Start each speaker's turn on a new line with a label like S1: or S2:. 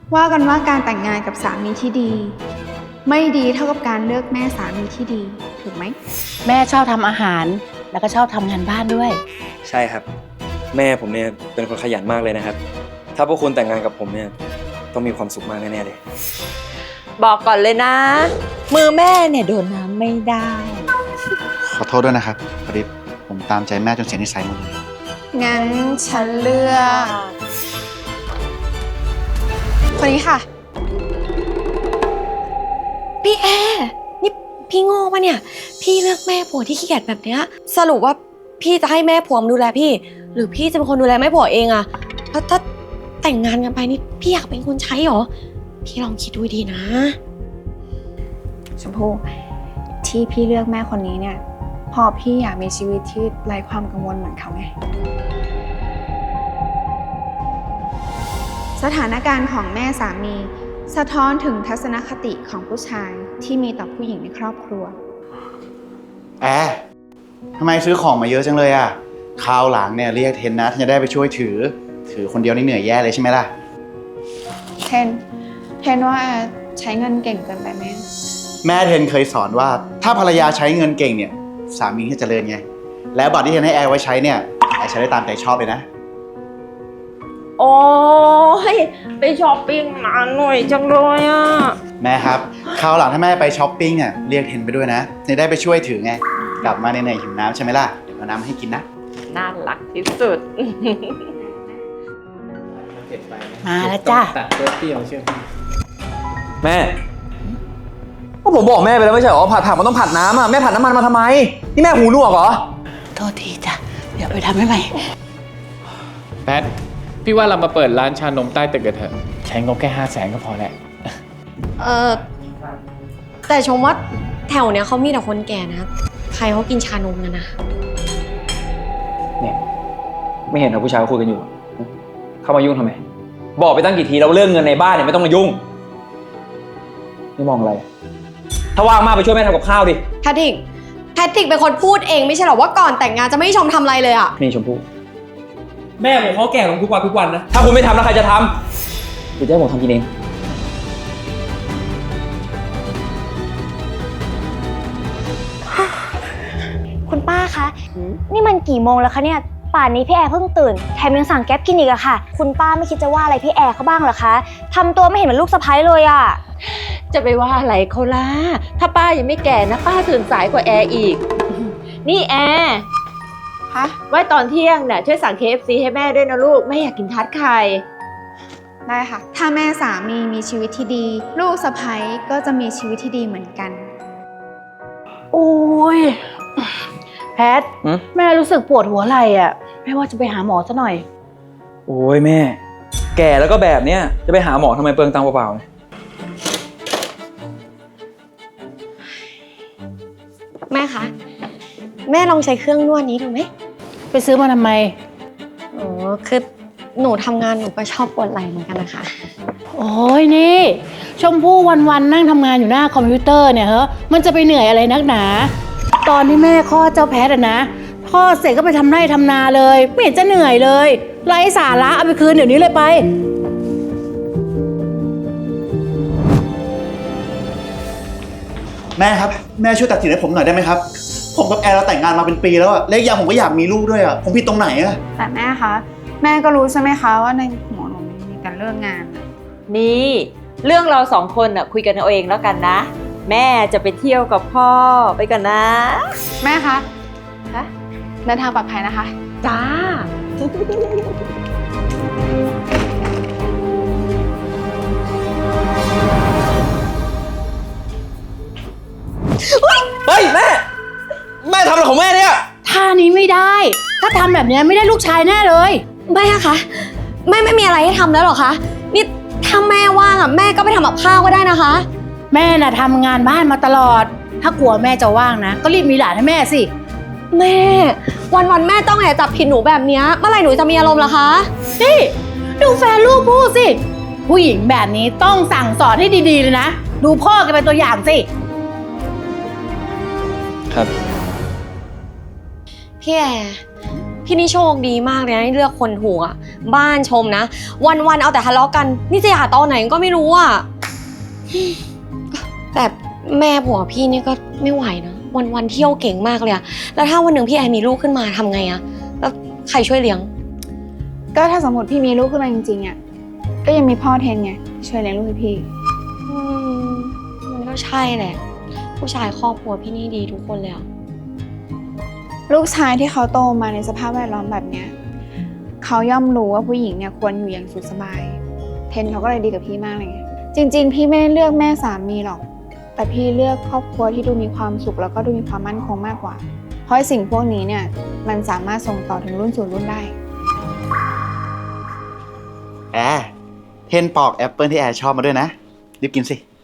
S1: ว่ากันว่าการแต่งงานกับสามีที่ดี ไม่ดีเท่ากับการเลือกแม่สามีที่ดีถูกไหม
S2: แม่ชอบทำอาหารแล้วก็ชอบทำงานบ้านด้วย
S3: ใช่ครับแม่ผมเนี่ยเป็นคนขยันมากเลยนะครับถ้าพวกคุณแต่งงานกับผมเนี่ยต้องมีความสุขมากแน่ๆเลย
S4: บอกก่อนเลยนะ มือแม่เนี่ยโดนน้ำไม่ได้
S5: ขอโทษด้วยนะครับพอดีผมตามใจแม่จนเสียนิสัยหมดเลย
S1: งั้นฉันเลือกคนนี้ค่ะ
S6: พี่แอร์นี่พี่โง่ปะเนี่ยพี่เลือกแม่ผัวที่ขี้เกียจแบบเนี้ยสรุปว่าพี่จะให้แม่ผัวมาดูแลพี่หรือพี่จะเป็นคนดูแลแม่ผัวเองอะแล้วถ้าแต่งงานกันไปนี่พี่อยากเป็นคนใช้หรอพี่ลองคิดดูดีนะ
S1: ชมพู่ที่พี่เลือกแม่คนนี้เนี่ยพอพี่อยากมีชีวิตที่ไร้ความกังวลเหมือนเขาไงสถานการณ์ของแม่สามีสะท้อนถึงทัศนคติของผู้ชายที่มีต่อผู้หญิงในครอบครัว
S5: แอร์ทำไมซื้อของมาเยอะจังเลยอ่ะคราวหลังเนี่ยเรียกเทนนะท่านจะได้ไปช่วยถือคนเดียวนี่เหนื่อยแย่เลยใช่ไหมล่ะ
S1: เทนว่าใช้เงินเก่งเกินไปไหม
S5: แม่เทนเคยสอนว่าถ้าภรรยาใช้เงินเก่งเนี่ยสามีจะเจริญไงแล้วบัตรที่เทนให้แอร์ไว้ใช้เนี่ยแอร์ใช้ได้ตามใจชอบเลยนะ
S4: โอ้ยไปช้อปปิ้งมาหน่อยจังเลยอ่ะ
S5: แม่ครับคราวหลังถ้าแม่ไปช้อปปิ้งเนี่ยเรียกเทนไปด้วยนะจะได้ไปช่วยถือไงกลับมาเหนื่อยๆหิวน้ำใช่ไหมล่ะเดี๋ยวเอาน้ำให้กินนะ
S4: น่ารักที่สุด
S2: มาแล้วจ้า
S7: ตัดเปรี้ยวเชื่อพี่
S3: แม่ก็ผมบอกแม่ไปแล้วไม่ใช่หรอผัดผักมันต้องผัดน้ำอ่ะแม่ผัดน้ำมันมาทำไมนี่แม่หูหนวกเหรอ
S2: โทษทีจ้ะเดี๋ยวไปทำให้ใหม่
S7: แพทพี่ว่าเรามาเปิดร้านชานมใต้ตึกกันเถอะใช้งบแค่500,000ก็พอแล้ว
S6: แต่ชมว่าแถวเนี้ยเขามีแต่คนแก่นะใครเขากินชานมกันนะ
S3: เนี่ยไม่เห็นเหรอผู้ชายเขาคุยกันอยู่เข้ามายุ่งทำไมบอกไปตั้งกี่ทีแล้วเรื่องเงินในบ้านเนี่ยไม่ต้องมายุ่งนี่มองอะไรถ้าว่างมากไปช่วยแม่ทำกับข้าวดิ
S6: แพทริกเป็นคนพูดเองไม่ใช่หรอว่าก่อนแต่งงานจะไม่ให้ชมทำอะไรเลยอะ
S3: นี่ชมพู่
S7: แม่ผมเขาแก่ลงทุกวันนะ
S3: ถ้าคุณไม่ทำแล้วใครจะทำหรือจะให้ผมทำกินเอง
S8: คุณป้าคะนี่มันกี่โมงแล้วคะเนี่ยป่านนี้พี่แอร์เพิ่งตื่นแถมยังสั่งแก๊ปกินอีกอะค่ะคุณป้าไม่คิดจะว่าอะไรพี่แอร์เขาบ้างเหรอคะทำตัวไม่เห็นเหมือนลูกสะใภ้เลยอะ
S4: จะไปว่าอะไรเขาล่ะถ้าป้ายังไม่แก่นะป้าตื่นสายกว่าแอร์อีกนี่แอร์
S1: คะ
S4: ไว้ตอนเที่ยงเนี่ยช่วยสั่ง KFC ให้แม่ด้วยนะลูกแม่อยากกินทาร์ตไข่
S1: ได้ค่ะถ้าแม่สามีชีวิตที่ดีลูกสะใภ้ก็จะมีชีวิตที่ดีเหมือนกัน
S2: โอ้ยแพทแม่รู้สึกปวดหัวไหล่อ่ะแม่ว่าจะไปหาหมอซะหน่อย
S3: โอ้ยแม่แก่แล้วก็แบบเนี้ยจะไปหาหมอทำไมเปลืองตังค์เปล่าๆ
S6: แม่คะแม่ลองใช้เครื่องนวดนี้ดูไหม
S2: ไปซื้อมาทำไม
S6: อ๋อคือหนูทำงานหนูก็ชอบปวดไหล่เหมือนกันนะคะ
S2: โอ้ยนี่ชมพู่วันๆนั่งทำงานอยู่หน้าคอมพิวเตอร์เนี่ยมันจะไปเหนื่อยอะไรนักหนาตอนที่แม่คลอดเจ้าแพทอะนะคลอดเสร็จก็ไปทำไร่ทำนาเลยไม่เห็นจะเหนื่อยเลยไร้สาระเอาไปคืนเดี๋ยวนี้เลยไป
S5: แม่ครับแม่ช่วยตัดสินให้ผมหน่อยได้ไหมครับผมกับแอร์เราแต่งงานมาเป็นปีแล้วอะและอย่างผมก็อยากมีลูกด้วยอะผมผิดตรงไหนอะ
S1: แต่แม่คะแม่ก็รู้ใช่ไหมคะว่าในหัวหนูมีการเลิกงาน
S4: นี่เรื่องเรา2 คนน่ะคุยกันเอาเองแล้วกันนะแม่จะไปเที่ยวกับพ่อไปกันนะ
S1: แม่คะเดินทางปลอดภัยนะคะ
S4: จ้า
S3: เฮ้ยแม่ทำอะไรของแม่เนี่ย
S2: ท่านี้ไม่ได้ถ้าทำแบบนี้ไม่ได้ลูกชายแน่เลย
S6: แม่คะไม่มีอะไรให้ทำแล้วหรอคะนี่ถ้าแม่ว่างอะแม่ก็ไปทำกับข้าวก็ได้นะคะ
S2: แม่น่ะทำงานบ้านมาตลอดถ้ากลัวแม่จะว่างนะก็รีบมีหลานให้แม่สิ
S6: แม่วันแม่ต้องแอบจับผิดหนูแบบนี้เมื่อไหร่หนูจะมีอารมณ์ล่ะคะ
S2: นี่ดูแฟนลูกพูดสิผู้หญิงแบบนี้ต้องสั่งสอนให้ดีๆเลยนะดูพ่อแกเป็นตัวอย่างสิ
S3: ครับ
S6: พี่แอร์พี่นี่โชคดีมากเลยนะที่เลือกคนถูกอะบ้านชมนะ วันๆเอาแต่ทะเลาะกัน นี่จะหย่าตอนไหนก็ไม่รู้อะแต่แม่ผัวพี่นี่ก็ไม่ไหวนะวันๆเที่ยวเก่งมากเลยอะแล้วถ้าวันหนึ่งพี่แอร์มีลูกขึ้นมาทำไงอะแล้วใครช่วยเลี้ยง
S1: ก็ถ้าสมมติพี่มีลูกขึ้นมาจริงๆอ่ะก็ยังมีพ่อเทนไงช่วยเลี้ยงลูกให้พี่
S6: มันก็ใช่แหละ ผู้ชายครอบครัวพี่นี่ดีทุกคนเลยอะ
S1: ลูกชายที่เขาโตมาในสภาพแวดล้อมแบบเนี้ยเขาย่อมรู้ว่าผู้หญิงเนี่ยควรอยู่อย่างสุขสบาย เทนเขาก็เลยดีกับพี่มากเลยไงจริงๆพี่ไม่ได้เลือกแม่สามีหรอก แต่พี่เลือกครอบครัวที่ดูมีความสุขแล้วก็ดูมีความมั่นคงมากกว่า เพราะไอ้สิ่งพวกนี้เนี่ยมันสามารถส่งต่อถึงรุ่นสู่รุ่นได้
S5: แอร์เทนปอกแอปเปิลที่แอร์ชอบมาด้วยนะ รีบกินสิ